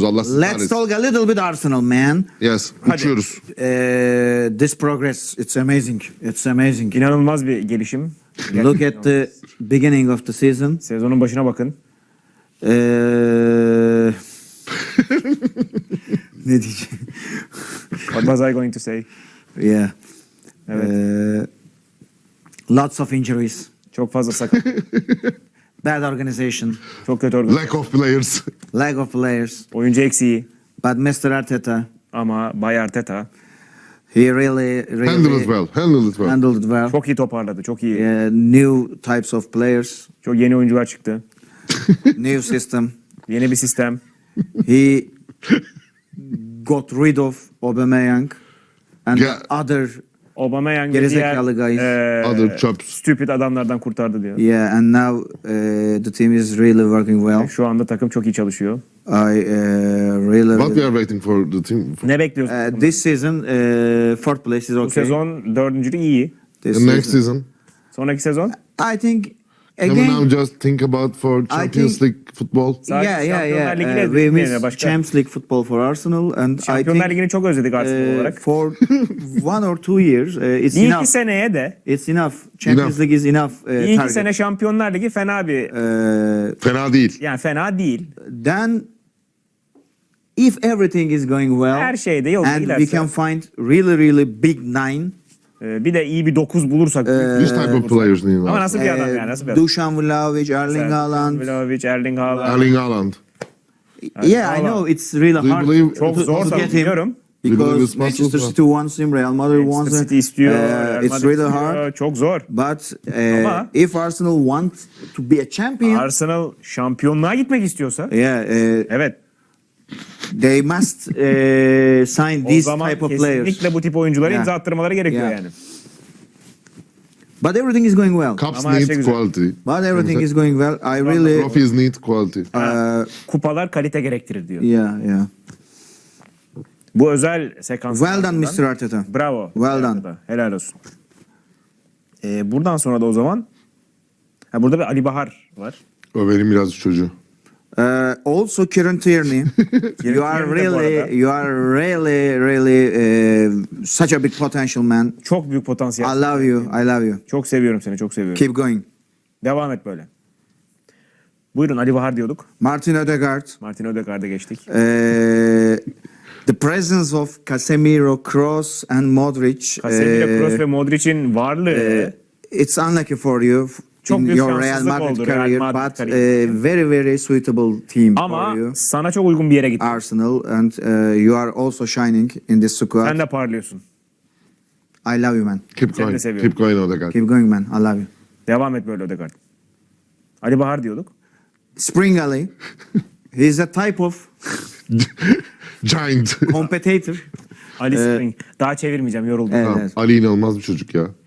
uçuyoruz. Allah sizi Let's kahretsin. talk a little bit Arsenal, man. Yes. Uçuyoruz. This progress, it's amazing. It's amazing. İnanılmaz bir gelişim. Look at the beginning of the season. Sezonun başına bakın. Ne diyeceğim? What was I going to say? Yeah. Evet. Lots of injuries. Çok fazla sakat. Bad organization. Çok kötü organizasyon. Lack of players. Lack of players. Oyuncu eksiği. But Mr. Arteta, Ama Bay Arteta he really Handle it well. Handle it well. handled it well. çok iyi toparladı. Çok iyi. New types of players, Çok yeni oyuncular çıktı. new system. Yeni bir sistem. He got rid of Aubameyang and Yeah. other. Aubameyang ve Gerizekalı guys. Other chops. stupid adamlardan kurtardı diyor. Yeah, and now the team is really working well. Şu anda takım çok iyi çalışıyor. I really. What we are waiting for the team. Ne bekliyorsun? This season, fourth place is Bu okay. sezon dördüncülük iyi. This The next season. season. Sonraki sezon I think Can we now again. just think about for Champions think- League football? Sadece Yeah. Şampiyonlar Ligi'ne We gitmeyelim miss başka. Champions League football for Arsenal, and I Şampiyonlar think Ligi'ni çok özledik Arsenal olarak. for 1 or 2 years, it's Bir iki enough. seneye de It's enough. Champions Enough. League is enough. bir iki Target. sene Şampiyonlar Ligi fena bir Fena değil. yani fena değil. Then, if everything is going well, Her şeyde yolunda and we giderse. can find really big nine. Bir de iyi bir 9 bulursak. This type of players need. Ama nasıl bir adam yani? Nasıl bir adam? Dusan Vlahovic, Erling Haaland. Vlahovic, Erling Haaland. Erling Haaland. Yeah, I Haaland. know it's really Do you hard believe- Çok to zor tabii get him biliyorum. because it's Manchester possible? City wants him, Real Madrid wants Manchester him. City istiyor. Real It's Madrid really istiyor. hard. Çok zor. But Ama- if Arsenal want to be a champion, Arsenal şampiyonluğa gitmek istiyorsa yeah, evet. they must sign O these zaman type of players. kesinlikle bu tip oyunculara Yeah. imza attırmaları gerekiyor Yeah. yani. But everything is going well. Cups Ama her need şey güzel. quality. But everything is going well. I really, Trophies need quality. Kupalar kalite gerektirir diyor. yeah. Bu özel sekans. Well done, Mr. Arteta. Bravo. Well done. Helal olsun. Buradan sonra da o zaman burada bir Ali Bahar var. O benim biraz çocuğu. Also, Kieran Tierney, you are Tierney de bu arada. really such a big potential, man. Çok büyük potansiyel. I love you. I love you. Çok seviyorum seni, çok seviyorum. Keep going. Devam et böyle. Buyurun Ali Bahar diyorduk. Martin Odegaard. Martin Ödegaard'a geçtik. The presence of Casemiro, Kroos, and Modric. Casemiro, Kroos ve Modric'in varlığı It's unlucky for you Çok in büyük your Real şanssızlık Madrid oldu, Real career, Madrid but kariyerinde. very suitable team ama for you. sana çok uygun bir yere gitti. Arsenal, and you are also shining in this squad. Sen de parlıyorsun. I love you, man. Keep Seni de going. seviyorum. Keep going Odegaard. Keep going, man. I love you. Devam et böyle Ödegaard. Ali Bahar diyorduk. Spring Ali. He's a type of Giant. competitor. Ali Spring. Daha çevirmeyeceğim, yoruldum. Evet. Tamam, Ali inanılmaz bir çocuk ya.